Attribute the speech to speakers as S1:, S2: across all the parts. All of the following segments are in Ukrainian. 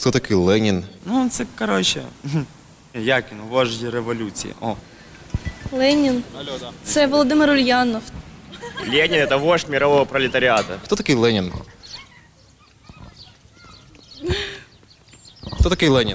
S1: Хто такий Ленін?
S2: Ну, це, коротше, як він, вождь революції. О.
S3: Ленін. Це Володимир Ульянов.
S4: Ленин – это вождь мирового пролетариата.
S1: Хто такий Ленін? Хто такий Ленін?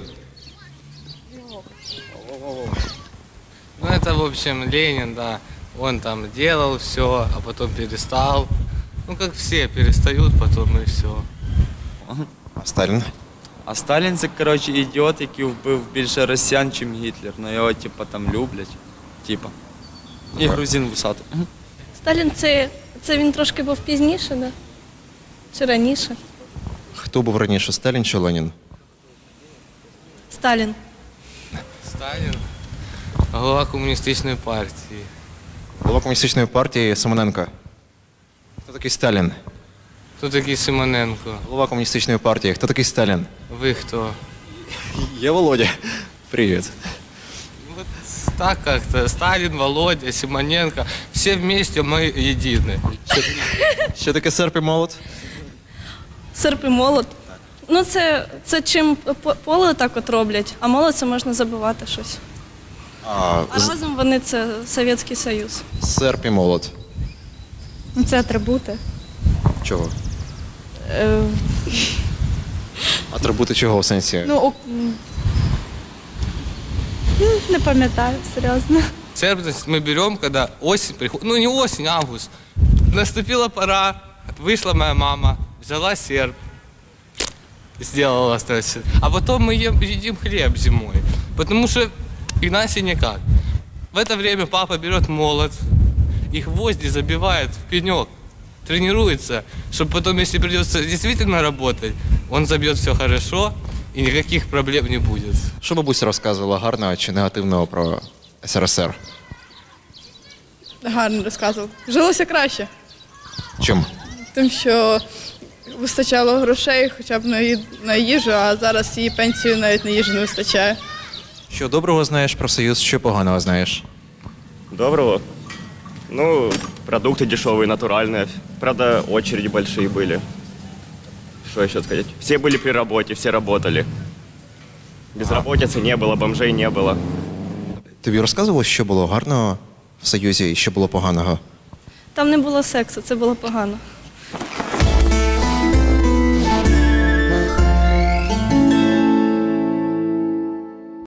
S5: Ну, это, в общем, Ленин, да. Он там делал все, а потом перестал. Ну, как все, перестают потом и все.
S1: А Сталін?
S2: А Сталін це, коротше, ідіот, який вбив більше росіян, чим Гітлер. Ну його, типа, там люблять. Типа. І грузин вусатий.
S3: Сталін це він трошки був пізніше, да? Чи раніше?
S1: Хто був раніше, Сталін чи Ленін?
S3: Сталін.
S5: Сталин, глава коммунистической партии.
S1: Голова комуністичної партії Симоненко. Хто такий Сталін?
S5: Кто такой Симоненко?
S1: Голова комуністичної партії. Хто такий Сталін?
S5: Вы кто?
S1: Я Володя. Привіт.
S5: Вот так как-то. Сталин, Володя, Симоненко. Все вместе мы едины.
S1: Що таке серп і молот?
S3: Серп і молот. Ну, це чим поле так от роблять, а молот це можна забивати щось.
S1: А,
S3: А разом вони це Совєтський Союз.
S1: серп і молот.
S6: Ну, це атрибути.
S1: Чого? Атрибути чого в сенсі?
S6: Не пам'ятаю, серйозно.
S5: Сербность мы берем, когда осень приходит. Ну, не осень, а август. Наступила пора, вышла моя мама, взяла серп, сделала стресс. А потом мы едим хлеб зимой. Потому что иначе никак. В это время папа берет молот и гвозди забивает в пенек. Тренируется, чтобы потом, если придется действительно работать, он забьет все хорошо и никаких проблем не будет.
S1: Що бабуся розказувала гарного чи негативного про СРСР?
S7: Гарно розказував. Жилося краще,
S1: Чим?
S7: тим, що вистачало грошей хоча б на їжу, а зараз її пенсію навіть на їжу не вистачає.
S1: Що доброго знаєш про Союз, що поганого знаєш?
S4: Доброго. Ну, продукты дешевые, натуральные. Правда, очереди большие были. Что еще сказать? Все были при работе, все работали. Безработицы не было, бомжей не было.
S1: Тобі розказувало, що було гарного в Союзі і що було поганого?
S3: Там не було сексу, це було погано.